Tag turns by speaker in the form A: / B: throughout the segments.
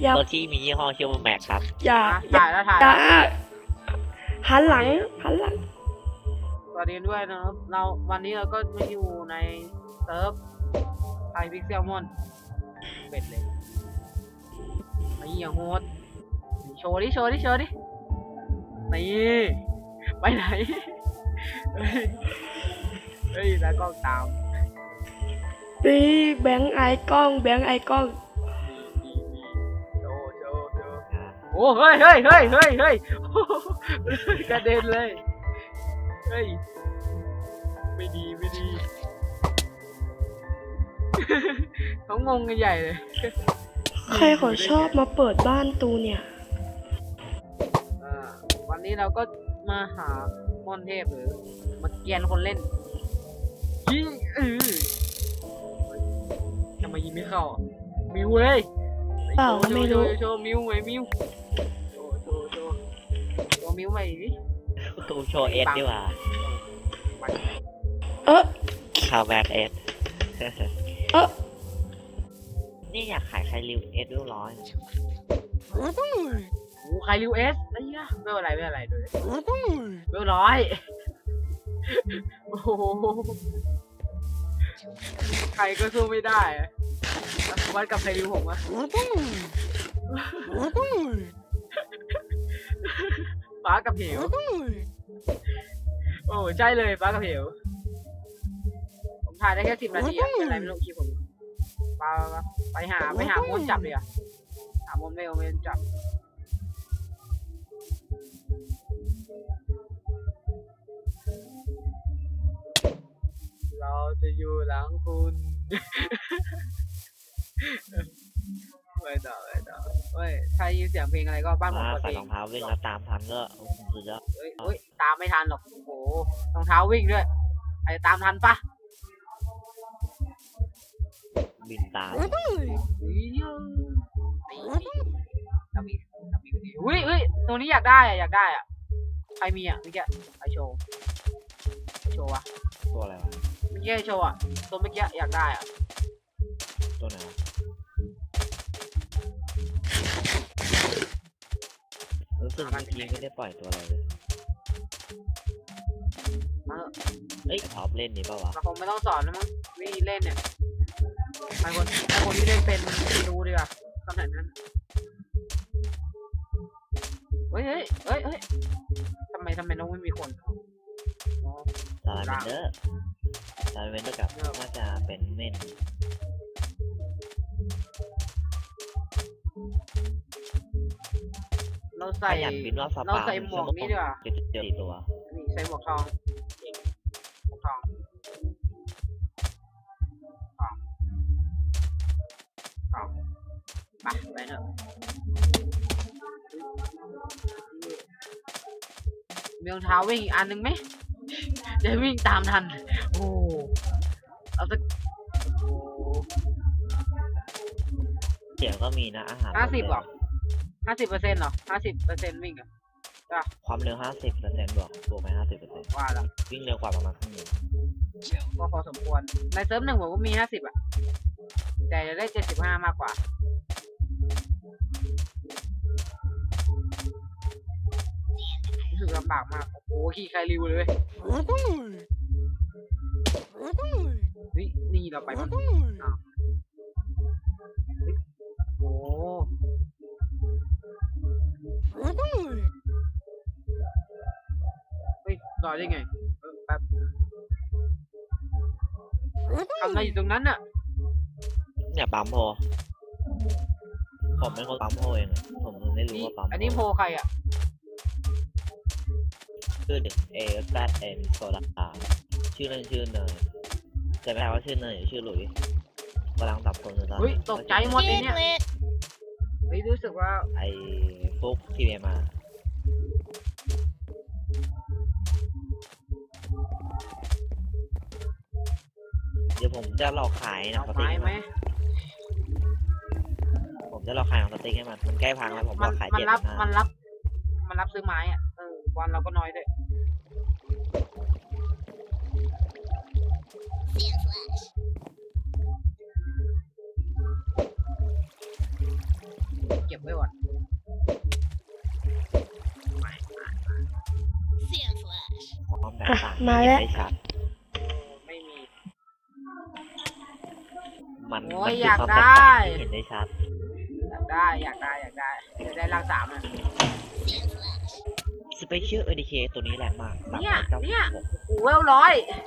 A: อย่าร
B: ถที่มียี่ห้อชื่อว่าแม็กครับ
A: อย่า
C: ถ่ายแล้วถ่าย
A: อย่า
C: แล้ว
A: หันหลัง
C: สวัสดีด้วยนะครับวันนี้เราก็มาอยู่ในเซิร์ฟไทยพิกเซลมอนเป็ดเลยไอ้เหี้ยโหดโชว์ดินี่ไปไหนเฮ้ยแล้วก็ตาม
A: ปีแบงค์ไอกล้อง
C: โชว์โอ้เฮ้ยกระเด็นเลยเฮ้ยไม่ดีเขางงกันใหญ่เลย
A: ใครเขาชอบมาเปิดบ้านตูเนี่ย
C: วันนี้เราก็มาหามอนเทพหรือมาเกียนคนเล่นยิงทำไมยิงไม่เข้ามิวเลย
A: เปล่าไม่รู้
C: โชว์มิวไหมมิวโชว์มิวไหมดิ
B: ตูโชว์เอสดีกว่าข่าวแบกเอสนี่อยากขายใครริวเอสด้วยร้อย
C: โอ้ใครริวเอสไอ้เนี่ยไม่อะไรด้วยเบลร้อยโอ้โหใครก็สู้ไม่ได้วัดกับใครริวผมอะฟ้ากับเหวโอ้ใช่เลยฟ้ากับเหวผมถ่ายได้แค่10 นาทีอะเป็นไรไม่รู้คีผมไปหามนจับเลยอะหามนไม่จับเราจะอยู่หลังคุณไม่ต่อเฮ้ยถ้ายินเสียงเพลงอะไรก็บ้านผมเปิดเพลง
B: ใส่รองเท้าวิ่งแล้วตามทันก็สุดยอด
C: เฮ้ยตามไม่ทันหรอกโอ้โหรองเท้าวิ่งด้วยไอ้ตามทันปะ
B: บินตาม
C: อุ้ยตรงนี้อยากได้อะใครมีอะเมื่อกี้ไอโชว์วะ
B: ตัวอะไรวะ
C: เมื่อกี้โชว์อะตัวเมื่อกี้อยากได้อะ
B: ตัวไหนรู้สึกเมื่อกี้ไม่ได้ปล่อยตัวอะไรเลยเฮ้ยท็อปเล่นนี่ป่าวะ
C: ผมไม่ต้องสอนแล้วมั้งวิธีเล่นเนี่ยไอคนที่เล่นเป็นดูดีกว่าขนาดนั้นเฮ้ยทำไมน้องไม่มีคน
B: ซาลาเวนเดอร์กับน่าจะเป็นเม่น
C: เราใส่หมวกนี้ดีกว่า
B: 4 ตัว
C: นี่ใส่หมวกทองไปเถอะมีรองเท้าวิ่งอีกอันนึงไหมจะวิ่งตามทันโอ้เอาสัก
B: เสียงก็มีนะอาหาร
C: 50หรอ50%หรอ50%วิ่งอ่ะ
B: ความเร็ว50%บวกไป50%
C: ว่าแล้ว
B: วิ่งเร็วกว่าประมาณครึ่งนึง
C: ก็พอสมควรในเซิร์ฟ1ผมก็มี50อ่ะแต่จะได้75มากกว่ารู้สึกลำบากมากโอ้โหขี่ใครริวเลยนี่เราไปมันโอ้เฮ้ยรอได้ไงแป๊บทำอะไรอยู่ตรงนั้นน่ะ
B: เนี่ยปั๊มโพผมเป็นคนปั๊มโพเองผมไม่รู้ว่าปั๊ม
C: อันนี้โพใครอ่ะ
B: ชื่อเด็กAZNโซดาชื่อเล่นชื่อเนยแต่ไม่ใช่ว่าชื่อเนยชื่อหลุยกำลังตับคนอยู่ตอน
C: นี้ตกใจหมดเลยเนี่ยรู้สึกว่า
B: ไอ้ฟุกที่มาเดี๋ยวผมจะหลอกขายนะสติ๊กไหมผมจะหลอกขายของสติ๊กให้มันใกล้พังแล้วผมหลอกขาย
C: มันรับซื้อไม้อ่ะวันเราก็น้อยด้วยเก็บไว้ก่อน
B: พร้อมแบบต่าง
A: มาแล้ว
B: เห็นได้ชัด
C: ไม่มี
B: มัน
C: โอ้
B: มั
C: ย
B: น
C: อยาก
B: ความ
C: ได้
B: แตกต่างที่เห็นได้ชัด
C: อยากได้จะได้ร่างสามอ่ะ
B: สเปเชียลเอดีเคตัวนี้แรงมาก
C: เนี่ย
B: 396
C: โอ้เวลร้อย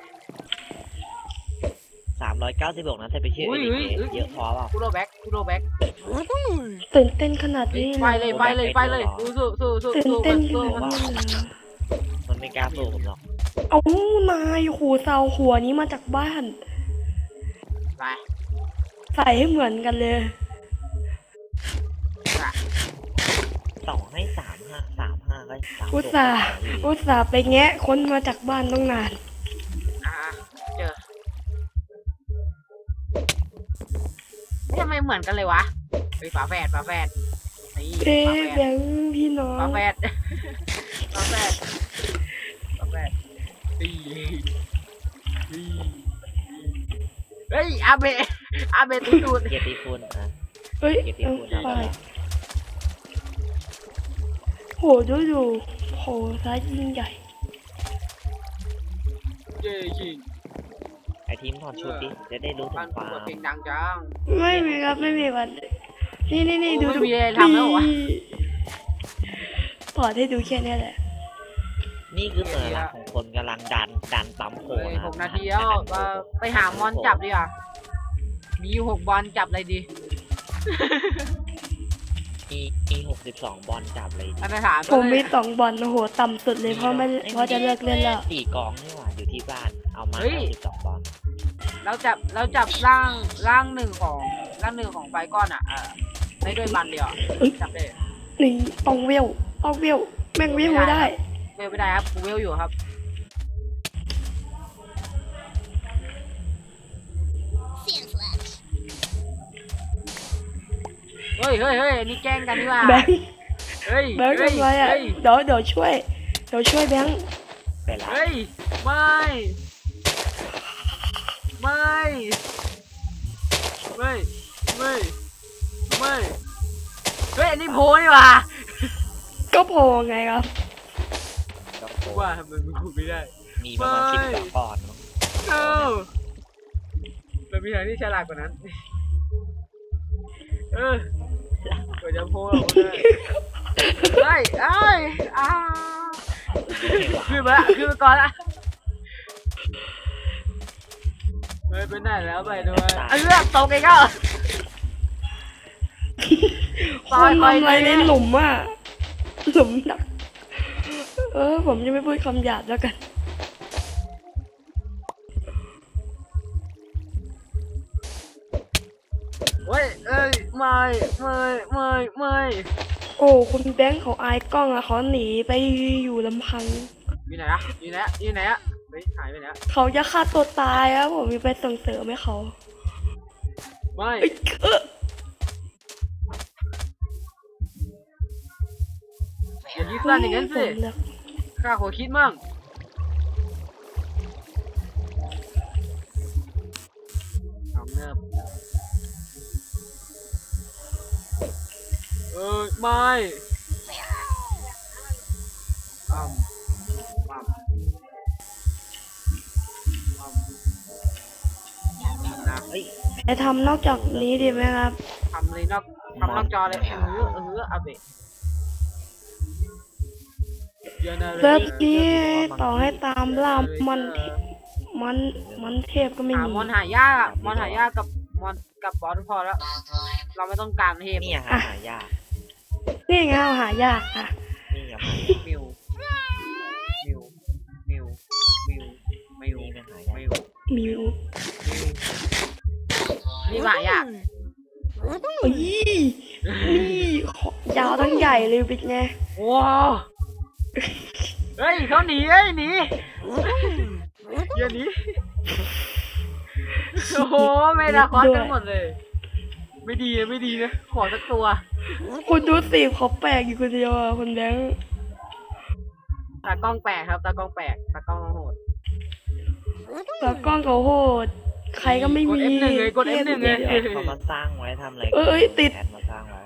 B: 396นะสเปเชียล
C: อุ้
B: เอย ดีเค
C: อุ้ย
B: เยอะพอเปล่า
C: คูโรแบ็ก
A: ตื่นเต้นขนาดนี้
C: ไป
A: เลย
C: เลยสู้
A: ตื่นเต้นข
C: สู้
A: นาดนี้เลย
B: มันไม่กล้าสู้ผมหรอก
A: เอานายโหเสาหัวนี้มาจากบ้าน
C: ไป
A: ใส่ให้เหมือนกันเลย
B: ต่อให้35ก็3
A: อุตส่าห์ไปแงะค้นมาจากบ้านต้องนาน
C: เจอทำไมเหมือนกันเลยวะเฮ้ยฝาแฝดนี่
A: เอ๊ะ
C: ฝาแฝ
A: แบ
C: ด
A: งค์พี่น้อง
C: ฝาแฝดดีเฮ้ยอาเบะตูด
B: เกียรติคุณอ่ะ
A: เฮ้ย
B: เกียรติ
A: เอา
B: คุณ
A: ไป
B: เอาไป
A: โหดูโหร้ายยิ่งใหญ่
C: เย้จริง
B: ไอทีมถอดชุดดิจะได้รู้ถึ
C: บ้าน
B: งค
C: กู
B: วาม
C: เปิดเพลงดังจัง
A: ไม่มีครับไม่มีวันนี่
C: โอ้
A: ดู
C: ไม่มีอะไรทำแล้วเหรอวะ
A: ปอดให้ดูแค่นี้แหละ
B: นี่คือสัญลักษณ์ของคนกำลังดันปั๊มโค
C: เฮ้ย
B: นะ
C: 6 นาทีแล้วไปหามอนจับดีกว่ามีอยู่6 บอลจับอะไรดี
B: มี62 บอลจับเลยดิ
C: อันนั้นถาม
A: ผมมี2 บอลโอ้โหต่ำสุดเลยเพราะจะเลิกเล่นแล้ว
B: 4 กองนี่หว่าอยู่ที่บ้านเอามา62 บอล
C: เราจับร่างหนึ่งของไฟก้อนอ่ะได้ด้วยบันเดียวจับได้
A: นี่อองเวลแม่งเวลไม่ได้
C: เวลไม่ได้ครับกูเวลอยู่ครับเฮ้ยอันนี้แกล้งกันดีกว่า
A: แบงค์
C: เฮ้ย
A: ทำไรอ่ะเดี๋ยวช่วยแบงค์
B: ไปละ
C: เฮ้ยไม่เฮ้ยอันนี้โพนี่ว่ะ
A: ก็พอไงครับ
B: ก็โค
C: ว่าทำไมมึงพูดไม่ได้
B: มีประมาณ12 บอลมั้ง
C: มันมีทางที่ฉลาดกว่านั้นเปิดจะโพลได้ขึ้นมาก่อนละไปไหนแล้วไปด้วยตกอีกแล้ว
A: คนทำอะไรในหลุมอ่ะหลุมหนักผมจะไม่พูดคำหยาบแล้วกัน
C: เฮ้ยไม่
A: โอ้คุณแบงค์เขาอายกล้องอะเขาหนีไปอยู่ลำพัง
C: อยู่ไหนอะเฮ้ยหายไปไหน
A: เขาจะฆ่าตัวตายอะผมมีไปส่งเสริมให้เขา
C: ไม่ อย่ายึดสั้นอย่างนั้นสิ ข้าขอคิดมั่งเอาเนิบไม่นะ
B: เฮ้ย
A: จะทำนอกจากนี้ดีไหมครับ
C: ทำเลยนอกจอเลยอาเบะ
A: เซิร์ฟนี้ต่อให้ตามล่ามอนเทพก็ไม่
C: หา
A: มี
C: มอนหายากกับบอสพอแล้ว เราไม่ต้องการเทพ
B: นี่หายาก
A: นี่ไงเอาหายากอะ
B: นี่หายาก
C: มิวนี่มันหายาก
A: มิว
C: นี่หายาก
A: นี่ยาวทั้งใหญ่เลยบิ๊กไง
C: ว้าวเฮ้ยเขาหนีอย่าหนีโอ้โหไม่ได้คอสกันหมดเลยไม่ดีนะขอสักตัว
A: คุณดูสิเขาแปลกอยู่คนเดียวอะคนแบงค์
C: ตากล้องแปลกครับตากล้องโหด
A: ตากล้องเขาโหดใครก็ไม่มี
C: กด F1 เลย
B: แอดเขามาสร้างไว้ทำอะไร
A: ติด
B: แอดมาสร้างไว้